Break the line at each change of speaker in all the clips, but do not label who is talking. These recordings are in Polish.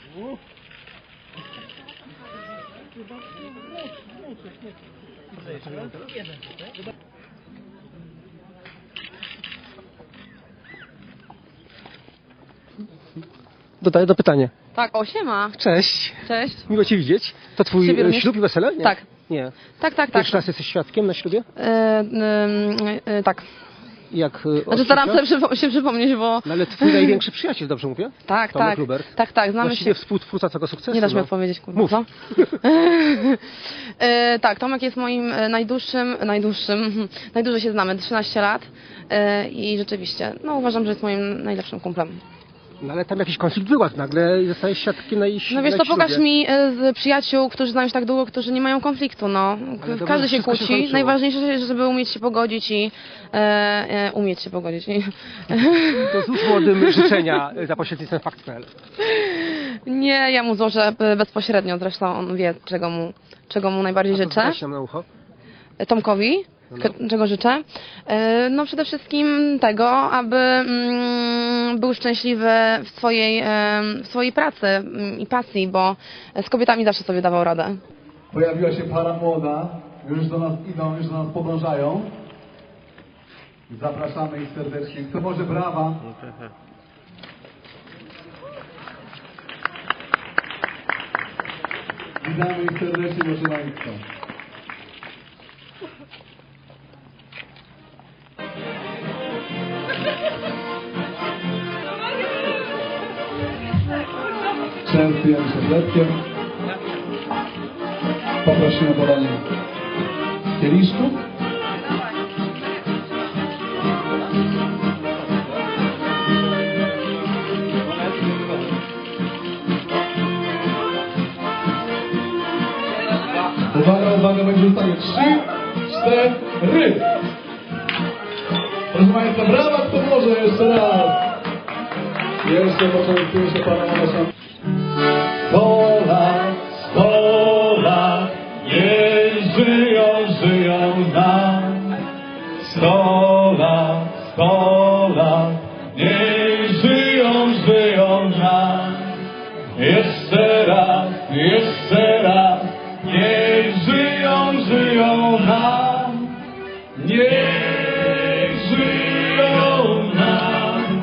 Dodaję do pytania.
Tak, o, siema.
Cześć.
Cześć.
Miło Cię widzieć. To Twój
Ciebie również.
ślub i wesele? Nie.
Tak.
Nie.
Tak.
Pierwszy raz jesteś świadkiem na ślubie?
Tak.
Jak
Znaczy staram się przypomnieć, bo...
No ale Twój największy przyjaciel, dobrze mówię?
Tak,
Tomek
tak.
Lubert.
Tak, znamy
Właściwie
się.
współtwórca tego sukcesu.
Nie dasz mi
no.
odpowiedzieć, kurwa.
Mów.
Co? Tak, Tomek jest moim najdłużej się znamy, 13 lat. I rzeczywiście, no uważam, że jest moim najlepszym kumplem.
No ale tam jakiś konflikt wyładł nagle i zostałeś świadkiem na
No wiesz, to pokaż mi z przyjaciół, którzy znają się tak długo, którzy nie mają konfliktu, no.
dobra,
Każdy się
wszystko się
kłóci.
skończyło.
Najważniejsze jest, żeby umieć się pogodzić i umieć się pogodzić.
To złóż młodym życzenia za pośrednictwem fakt.pl.
Nie, ja mu złożę bezpośrednio, zresztą on wie, czego mu najbardziej życzę.
Weź nam na ucho.
Tomkowi,
No.
czego życzę? No przede wszystkim tego, aby był szczęśliwy w swojej pracy i pasji, bo z kobietami zawsze sobie dawał radę.
Pojawiła się para młoda, już do nas idą, już do nas podążają. Zapraszamy ich serdecznie. Kto może brawa? Witamy ich serdecznie, proszę Państwa. Częstujemy się chlebkiem. Poprosimy o podanie kieliszków. Uwaga, będzie ustawię 3, 4. Proszę Państwa, brawa, kto może jeszcze raz. Jeszcze początkuje się Pana Małgosia. 100 lat, niech żyją nam. 100 lat, niech żyją nam. Jeszcze raz, niech żyją nam. Niech żyją nam.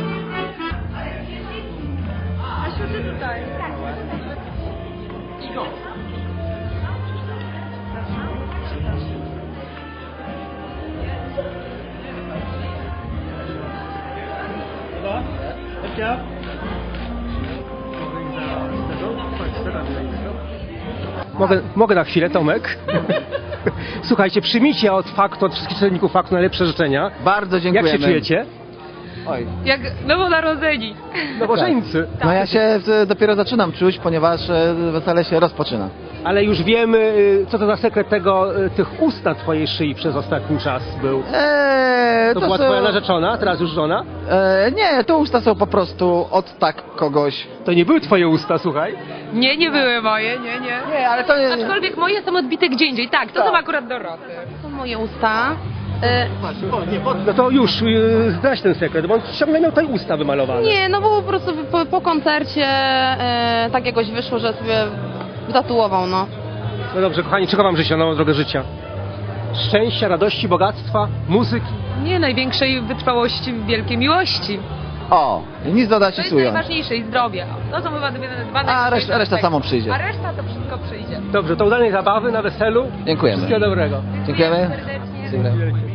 Mogę na chwilę, Tomek? Słuchajcie, przyjmijcie od faktu, od wszystkich czytelników faktu najlepsze życzenia.
Bardzo dziękujemy.
Jak się czujecie?
Oj.
Jak nowonarodzeni.
Nowożeńcy.
No ja się dopiero zaczynam czuć, ponieważ wesele się rozpoczyna.
Ale już wiemy, co to za sekret tych ust na twojej szyi przez ostatni czas był. To była
są-
twoja narzeczona, teraz już żona?
Nie, to usta są po prostu od tak kogoś.
To nie były twoje usta, słuchaj.
Nie były moje, nie.
Nie, ale to nie...
Aczkolwiek moje są odbite gdzie indziej. Tak, to są akurat Doroty.
To są moje usta.
No to już, zdradź ten sekret, bo on ciągle miał tutaj usta wymalowane.
Nie, no bo po prostu po koncercie tak jakoś wyszło, że sobie wytatuował, no.
No dobrze, kochani, czego wam życzę na nową drogę życia? Szczęścia, radości, bogactwa, muzyki.
Nie, największej wytrwałości, wielkiej miłości.
O, nic dodać
To
i
jest
ująć.
najważniejsze i zdrowie. To są chyba dwa
A
najważniejsze
reszta
aspekty.
samo przyjdzie.
A reszta to wszystko przyjdzie.
Dobrze, to udanej zabawy na weselu.
Dziękujemy.
Wszystkiego dobrego.
Dziękujemy.
Serdecznie.
Dziękujemy.